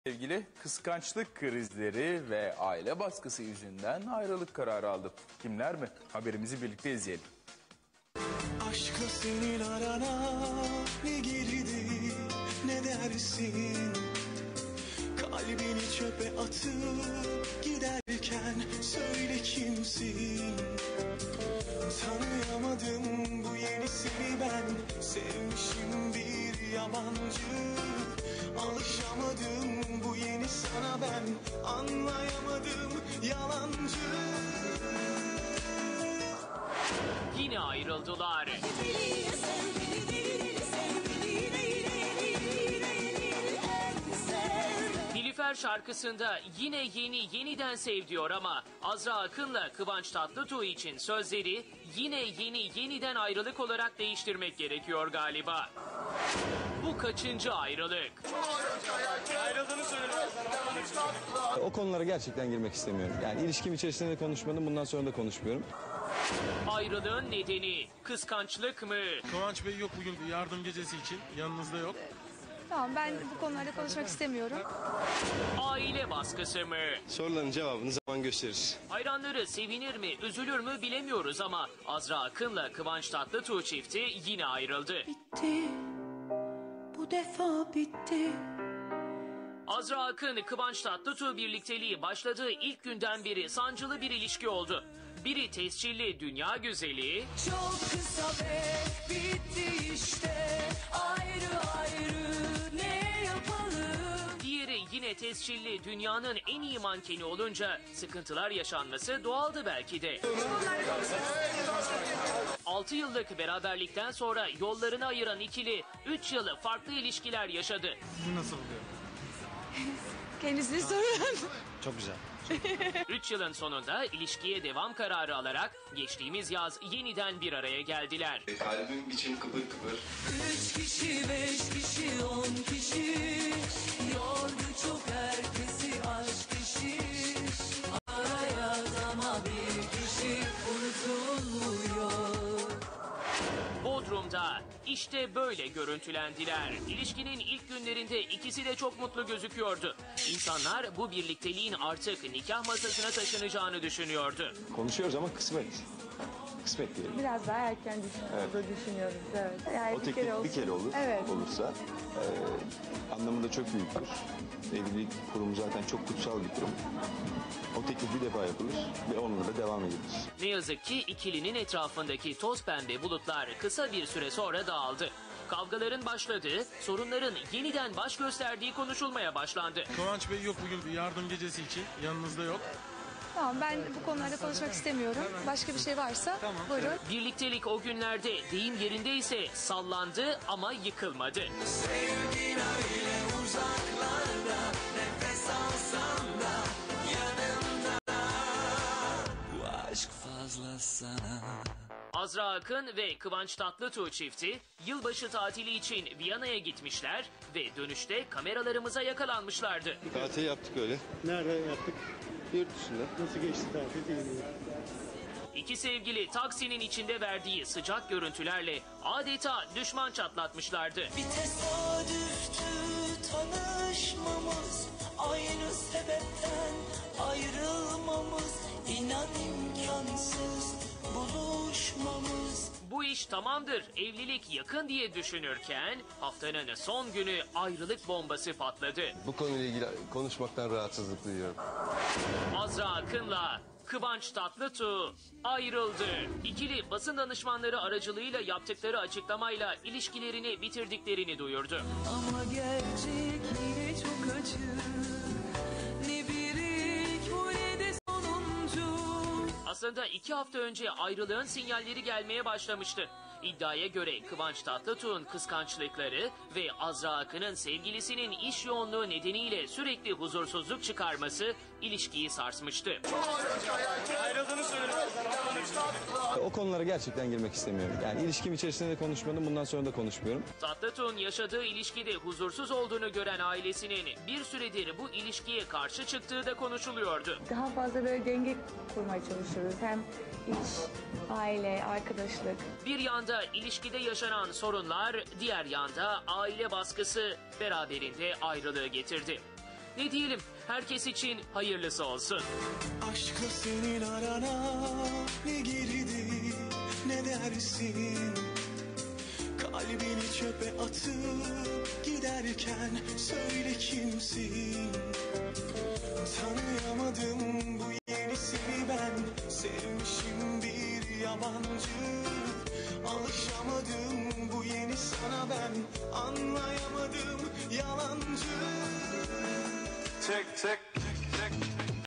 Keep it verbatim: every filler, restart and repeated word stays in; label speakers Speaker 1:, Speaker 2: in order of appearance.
Speaker 1: Sevgili kıskançlık krizleri ve aile baskısı yüzünden ayrılık kararı aldı. Kimler mi? Haberimizi birlikte izleyelim.
Speaker 2: Aşkla senin arana ne girdi ne dersin? Kalbini çöpe atıp giderken söyle kimsin? Tanıyamadım bu yenisini ben, sevmişim bir yabancı. Alışamadım bu yeni sana ben, anlayamadım yalancı.
Speaker 3: Yine ayrıldılar. Nilüfer şarkısında yine yeni yeniden sev diyor ama Azra Akın'la Kıvanç Tatlıtuğ için sözleri yine yeni yeniden ayrılık olarak değiştirmek gerekiyor galiba. Bu kaçıncı ayrılık?
Speaker 4: Ayrıldığını söylüyorlar.
Speaker 5: O konulara gerçekten girmek istemiyorum. Yani ilişkim içerisinde de konuşmadım, bundan sonra da konuşmuyorum.
Speaker 3: Ayrılığın nedeni kıskançlık mı?
Speaker 4: Kıvanç Bey yok bugün yardım gecesi için, yanınızda yok.
Speaker 6: Tamam, ben bu konularda konuşmak istemiyorum.
Speaker 3: Aile baskısı mı?
Speaker 5: Soruların cevabını zaman gösterir.
Speaker 3: Hayranları sevinir mi, üzülür mü bilemiyoruz ama Azra Akın'la Kıvanç Tatlıtuğ çifti yine ayrıldı.
Speaker 7: Bitti, bu defa bitti.
Speaker 3: Azra Akın, Kıvanç Tatlıtuğ birlikteliği başladığı ilk günden beri sancılı bir ilişki oldu. Biri tescilli dünya güzeli,
Speaker 7: Çok kısa ve bitti işte, ayrı ayrı ne yapalım?
Speaker 3: diğeri yine tescilli dünyanın en iyi mankeni olunca sıkıntılar yaşanması doğaldı belki de. altı yıllık beraberlikten sonra yollarını ayıran ikili üç yılı farklı ilişkiler yaşadı.
Speaker 4: Sizi nasıl buluyor?
Speaker 6: Kendisini sorun.
Speaker 5: Çok güzel.
Speaker 3: üç yılın sonunda ilişkiye devam kararı alarak geçtiğimiz yaz yeniden bir araya geldiler.
Speaker 8: Kalbim için kıpır kıpır.
Speaker 7: Üç kişi, beş kişi, on kişi, yordu çok herkesi aşk işi. Araya ama bir kişi unutulmuyor.
Speaker 3: Bodrum'da işte böyle görüntülendiler. İlişkinin ilk günlerinde ikisi de çok mutlu gözüküyordu. İnsanlar bu birlikteliğin artık nikah masasına taşınacağını düşünüyordu.
Speaker 5: Konuşuyoruz ama kısmet. Kısmet diyelim.
Speaker 6: Biraz daha erken düşünüyoruz, düşünüyoruz. Evet. Yani
Speaker 5: O
Speaker 6: bir
Speaker 5: teklif
Speaker 6: kere olsun.
Speaker 5: bir kere olur,
Speaker 6: Evet.
Speaker 5: olursa e, anlamında çok büyüktür. Evlilik kurumu zaten çok kutsal bir kurum. O teklif bir defa yapılır ve onunla da devam edilir.
Speaker 3: Ne yazık ki ikilinin etrafındaki toz pembe bulutlar kısa bir süre sonra dağıldı. Kavgaların başladığı, sorunların yeniden baş gösterdiği konuşulmaya başlandı.
Speaker 4: Kıvanç Bey yok bugün yardım gecesi için, yanınızda yok.
Speaker 6: Tamam, ben bu konularda konuşmak istemiyorum. Başka bir şey varsa buyurun.
Speaker 3: Birliktelik o günlerde deyim yerindeyse sallandı ama yıkılmadı.
Speaker 2: Sevgin öyle uzaklarda, nefes alsam da yanımda. Bu aşk fazla sana.
Speaker 3: Azra Akın ve Kıvanç Tatlıtuğ çifti yılbaşı tatili için Viyana'ya gitmişler ve dönüşte kameralarımıza yakalanmışlardı.
Speaker 5: Tatil yaptık öyle.
Speaker 9: Nerede yaptık?
Speaker 5: Yurt dışında.
Speaker 9: Nasıl geçti tatil değil mi?
Speaker 3: İki sevgili taksinin içinde verdiği sıcak görüntülerle adeta düşman çatlatmışlardı.
Speaker 7: Bir tesadüftü tanışmamız, aynı sebepten ayrılmamız, inan imkansız buluşmamız.
Speaker 3: Bu iş tamamdır, evlilik yakın diye düşünürken haftanın son günü ayrılık bombası patladı.
Speaker 5: Bu konuyla ilgili konuşmaktan rahatsızlık duyuyorum.
Speaker 3: Azra Akın'la Kıvanç Tatlıtuğ ayrıldı. İkili basın danışmanları aracılığıyla yaptıkları açıklamayla ilişkilerini bitirdiklerini duyurdu.
Speaker 7: Ama gerçek yine çok acı, ne bir ilk bu ne de sonuncu.
Speaker 3: Aslında iki hafta önce ayrılığın sinyalleri gelmeye başlamıştı. İddiaya göre Kıvanç Tatlıtuğ'un kıskançlıkları ve Azra Akın'ın sevgilisinin iş yoğunluğu nedeniyle sürekli huzursuzluk çıkarması ilişkiyi sarsmıştı.
Speaker 4: Ayrıldığını söylüyorlar.
Speaker 5: O konulara gerçekten girmek istemiyorum. Yani ilişkim içerisinde de konuşmadım, bundan sonra da konuşmuyorum.
Speaker 3: Tatlıtuğ'un yaşadığı ilişkide huzursuz olduğunu gören ailesinin bir süredir bu ilişkiye karşı çıktığı da konuşuluyordu.
Speaker 6: Daha fazla böyle denge kurmaya çalışıyoruz. Hem iş, aile, arkadaşlık.
Speaker 3: Bir yanda ilişkide yaşanan sorunlar, diğer yanda aile baskısı beraberinde ayrılığı getirdi. Ne diyelim, herkes için hayırlısı olsun.
Speaker 2: Aşkla senin arana ne girdi ne dersin? Kalbini çöpe atıp giderken söyle kimsin? Tanıyamadım bu yenisini ben, sevmişim bir yabancı. Alışamadım bu yeni sana ben, anlayamadım yalancı. Tek tek tek tek